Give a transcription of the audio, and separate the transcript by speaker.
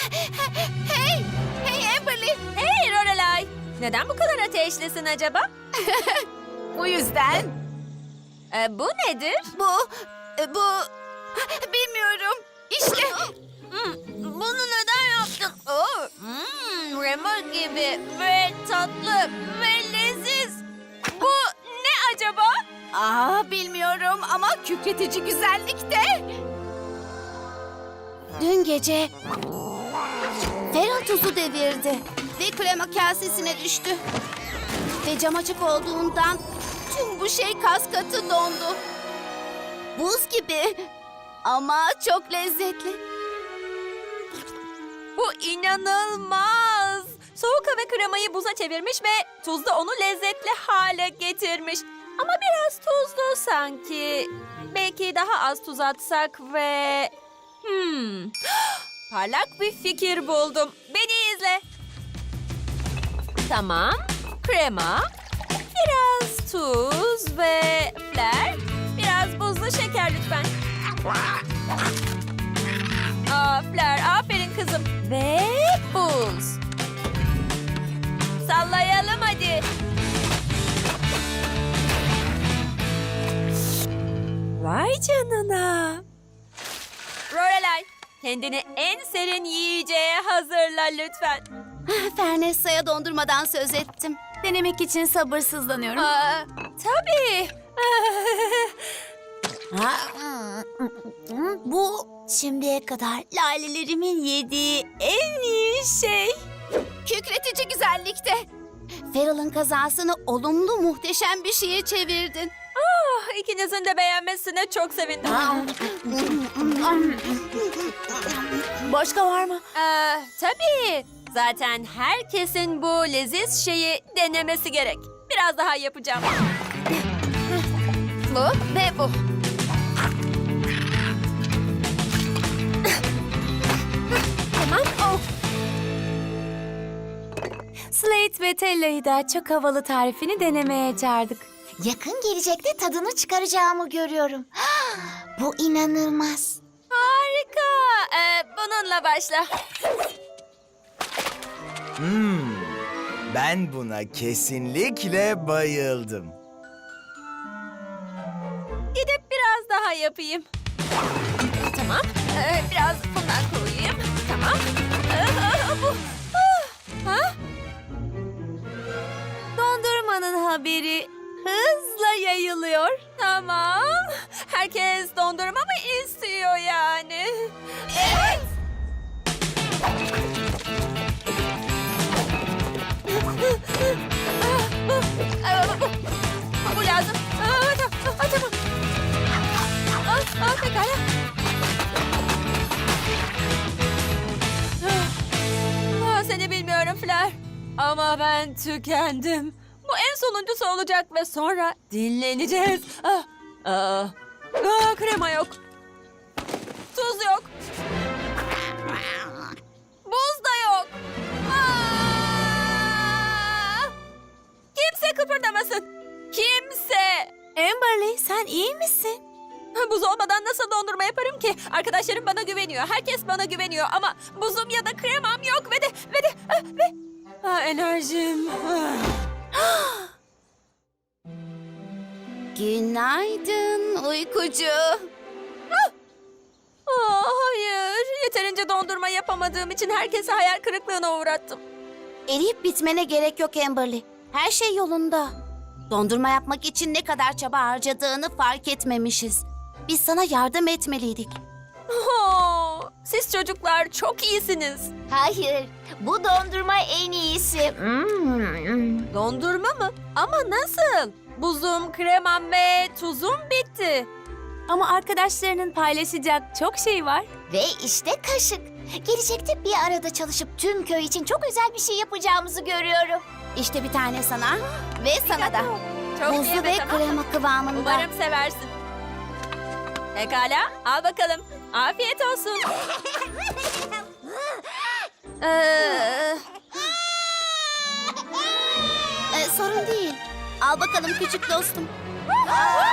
Speaker 1: Hey! Hey Amberly!
Speaker 2: Hey Lorelai! Neden bu kadar ateşlisin acaba?
Speaker 1: Bu yüzden
Speaker 2: Bu nedir?
Speaker 1: bu... Bilmiyorum. İşte.
Speaker 2: Bunu neden yaptın? Rema gibi ve tatlı ve leziz. Bu ne acaba?
Speaker 1: Bilmiyorum ama kükretici güzellikte. Dün gece Feral tuzu devirdi ve krema kasesine düştü. Ve cam açık olduğundan tüm bu şey kas katı dondu. Buz gibi ama çok lezzetli.
Speaker 2: Bu inanılmaz. Soğuk hava kremayı buza çevirmiş ve tuz da onu lezzetli hale getirmiş. Ama biraz tuzlu sanki. Belki daha az tuz atsak ve... Parlak bir fikir buldum. Beni izle. Tamam. Krema, biraz tuz ve fler, biraz buzlu şeker lütfen. Fler, aferin kızım. Ve buz. Sallayalım hadi. Vay canına. Lorelai, kendini en serin yiyeceğe hazırla lütfen.
Speaker 1: Fernessa'ya dondurmadan söz ettim. Denemek için sabırsızlanıyorum.
Speaker 2: Tabii.
Speaker 1: Bu şimdiye kadar lalelerimin yediği en iyi şey. Kükretici güzellikte. Feral'ın kazasını olumlu muhteşem bir şeye çevirdin.
Speaker 2: İkinizin de beğenmesine çok sevindim.
Speaker 1: Başka var mı?
Speaker 2: Tabii. Zaten herkesin bu leziz şeyi denemesi gerek. Biraz daha yapacağım. Bu ve bu. Tamam.
Speaker 3: Slate ve Tella'yı da çok havalı tarifini denemeye çağırdık.
Speaker 1: Yakın gelecekte tadını çıkaracağımı görüyorum. Bu inanılmaz.
Speaker 2: Harika. Bununla başla.
Speaker 4: Ben buna kesinlikle bayıldım.
Speaker 2: Gidip biraz daha yapayım. Tamam. Biraz bundan koyayım. Tamam. Bu. Ha?
Speaker 3: Dondurmanın haberi hızla yayılıyor.
Speaker 2: Tamam. Herkes dondurma mı istiyor yani? Evet. Bu lazım. Tamam. Pekala. Seni bilmiyorum Fleur. Ama ben tükendim. Bu en sonuncusu olacak ve sonra dinleneceğiz. Krema yok. Tuz yok. Buz da yok. Kimse kıpırdamasın. Kimse.
Speaker 3: Amberly, sen iyi misin?
Speaker 2: Buz olmadan nasıl dondurma yaparım ki? Arkadaşlarım bana güveniyor. Herkes bana güveniyor ama buzum ya da kremam yok ve enerjim.
Speaker 1: Günaydın uykucu.
Speaker 2: Hayır. Yeterince dondurma yapamadığım için herkesi hayal kırıklığına uğrattım.
Speaker 1: Eriyip bitmene gerek yok Amberly. Her şey yolunda. Dondurma yapmak için ne kadar çaba harcadığını fark etmemişiz. Biz sana yardım etmeliydik.
Speaker 2: Siz çocuklar çok iyisiniz.
Speaker 1: Hayır, bu dondurma en iyisi.
Speaker 2: Dondurma mı? Ama nasıl? Buzum, kremam ve tuzum bitti.
Speaker 3: Ama arkadaşlarının paylaşacak çok şey var.
Speaker 1: Ve işte kaşık. Gelecekte bir arada çalışıp tüm köy için çok özel bir şey yapacağımızı görüyorum. İşte bir tane sana ve sana da.
Speaker 2: Çok iyi
Speaker 1: Buzlu ve
Speaker 2: tamam.
Speaker 1: krema kıvamında.
Speaker 2: Umarım seversin. Pekala, al bakalım. Afiyet olsun.
Speaker 1: Sorun değil. Al bakalım küçük dostum.